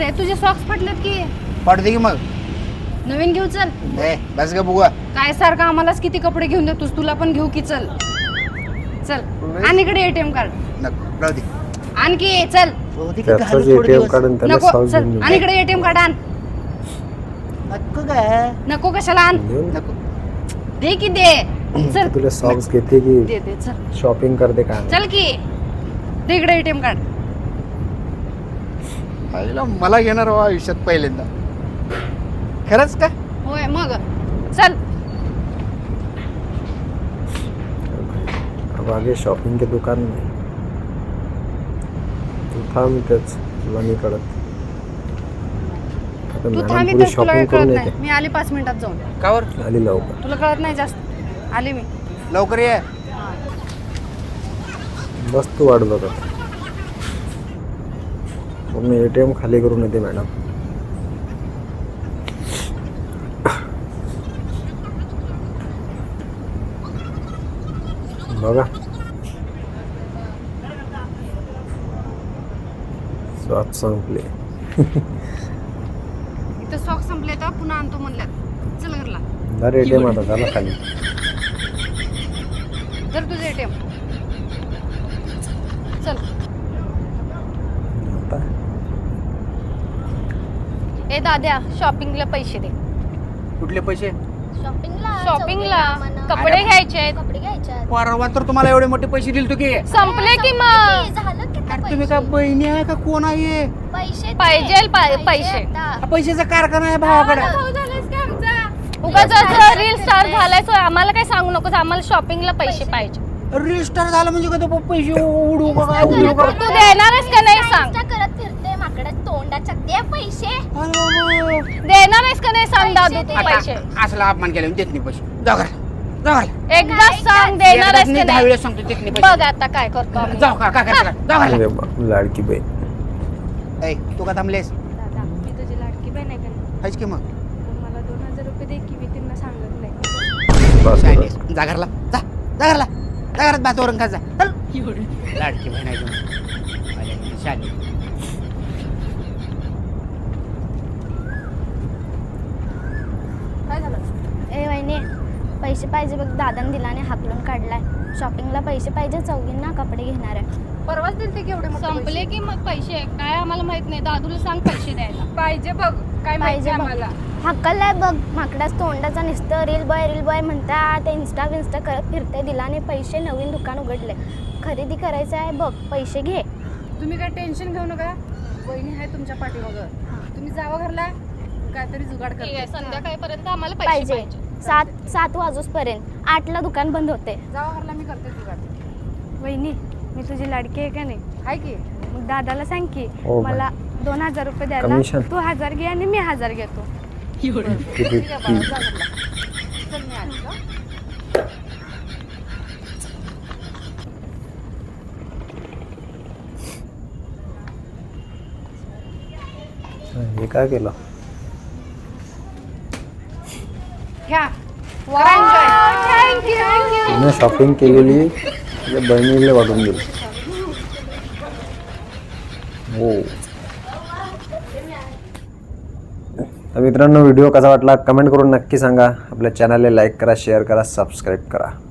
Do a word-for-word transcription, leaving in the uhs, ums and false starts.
अरे तुझे सॉक्स फाटलेत की. पडते की मग. नवीन घेऊ चल. ए बस ग बुवा. काय सारखं आम्हालाच किती कपडे घेऊन देतोस, तुला पण घेऊ की. चल चल आणि इकडे एटीएम कार्ड. नको राहू दे. आणखी चल. त्याचाच एटीएम कार्ड आणि त्याला नको सॉक्स चल घेऊन आणि इकडे एटीएम कार्ड आण. नको काय नको कशाला आण. देऊ. नको. दे की दे. चल तुला सॉक्स घेते की दे दे चल. शॉपिंग करते काय चल की दे इकडे एटीएम कार्ड. आईला मला घेणार हो आयुष्यात पहिल्यांदा. खरंच का? होय मग चल. अब आगे शॉपिंग के दुकान में तू थांब इथेच, तुला मी कळत. आता तू मॅडम थांब पुढे इथेच, तुला शॉपिंग काही कळत करून नाही. येते. मी आले पाच मिनिटात जाऊन. कावर आली लवकर. तुला कळत नाही जास्त. आले मी. लवकर ये. बस तू वाट बघत. मग मी एटीएम खाली करून येते मॅडम. बघा स्वाद संपले. इथं सॉक्स संपले तर पुन्हा आणतो म्हणल्यात. चल घरला. जर एटीएम आता झाला खाली. जर तुझं एटीएम. चल. आता ए दाद्या शॉपिंगला पैसे दे. कुठले पैसे? शॉपिंगला शॉपिंगला चौकीला कपडे घ्यायचे आहेत. कपडे घ्यायचे आहेत. परवा तर तुम्हाला एवढे मोठे पैसे दिले तू की. संपले की मग. किती झालं किती अरे तुम्ही का बहिणी आहे का कोण आहे? पैसे पाहिजेल पा- पैसे. आता. हा पैशाचा कारखाना आहे भावाकडे. उगाच रील स्टार झालाय सो आम्हाला काय सांगू नकोस. आम्हाला शॉपिंगला पैसे पाहिजे. रजिस्टर झालं म्हणजे का तो पैसे उडू का काय उडू का? तू देणारच का नाही सांग. Insta करत फिरते माकडा तोंडाच्या दे पैसे. अरे देणारच का नाही सांग दादू तू बाबा. पैसे. आता असला अपमान केला देत नाही पैसे. जाऊ घरा. जाऊ घरा. एकदा सांग देणारच एकदाच का नाही, दहा नाही. वेळेस सांगतो देत नाही पैसे. बघ आता काय करतो आम्ही. जाऊ का काय करायला? जाऊ घरा. अरे बा, लाडकी बहीण. ए तू का थांबलेस? दादा मी तुझी लाडकी बहीण आहे का नाही? हायच की मग. मग मला दोन हजार रुपये दे की मी त्यांना सांगत नाही. बस शाळेस. बस. जा घरला. जा. जा घरला. जा घरात भातावरून खा जा. चल. लाडकी बहीण आहे तुम्ही. आले म्हणजे शाळेत. काय झालं? ए वहिनी पैसे पाहिजे बघ. दादाने दिला आणि हाकलून काढलाय. शॉपिंगला पैसे पाहिजे चौघींना कपडे घेणार आहे. परवाच दिलते केवढे मोठे संपले पैसे? की मग पैसे काय आम्हाला माहित नाही. दादूला सांग पैसे द्यायला. पाहिजे बघ काय माहिती पाहिजे बघ. आम्हाला. हक्कलाय बघ माकडाच तोंडाचा नुसतं रील बॉय रील बॉय म्हणता. ते इन्स्टा विन्स्टा करत फिरते. दिलाने पैसे नवीन दुकान उघडले. खरेदी करायचं आहे बघ. पैसे घे. तुम्ही काय टेन्शन घेऊ नका. वहिनी आहे तुमच्या पाठीमागं. तुम्ही जावा घरला काहीतरी जुगाड ठीक आहे करते. संध्याकाळपर्यंत आम्हाला पैसे पाहिजे पाहिजे. सात सात वाजूसपर्यंत. आठला दुकान बंद होते. जावा घरला मी करते जुगाड. वहिनी मी तुझी लाडकी आहे का नाही? आहे की मग दादाला सांग की हो बाई. मला दोन हजार रुपये द्यायला. कमिशन. तू हजार घे आणि मी हजार घेतो. किती ठीक आहे बाळा, जा घरला. चल मी आली हं. हे काय केलं? घ्या. तिने शॉपिंग केलेली तिच्या बहिणीला वाटून दिली. हो. तर मित्रांनो व्हिडिओ कसा वाटला कमेंट करून नक्की सांगा. आपल्या चॅनलला लाईक करा, शेअर करा, सबस्क्राईब करा.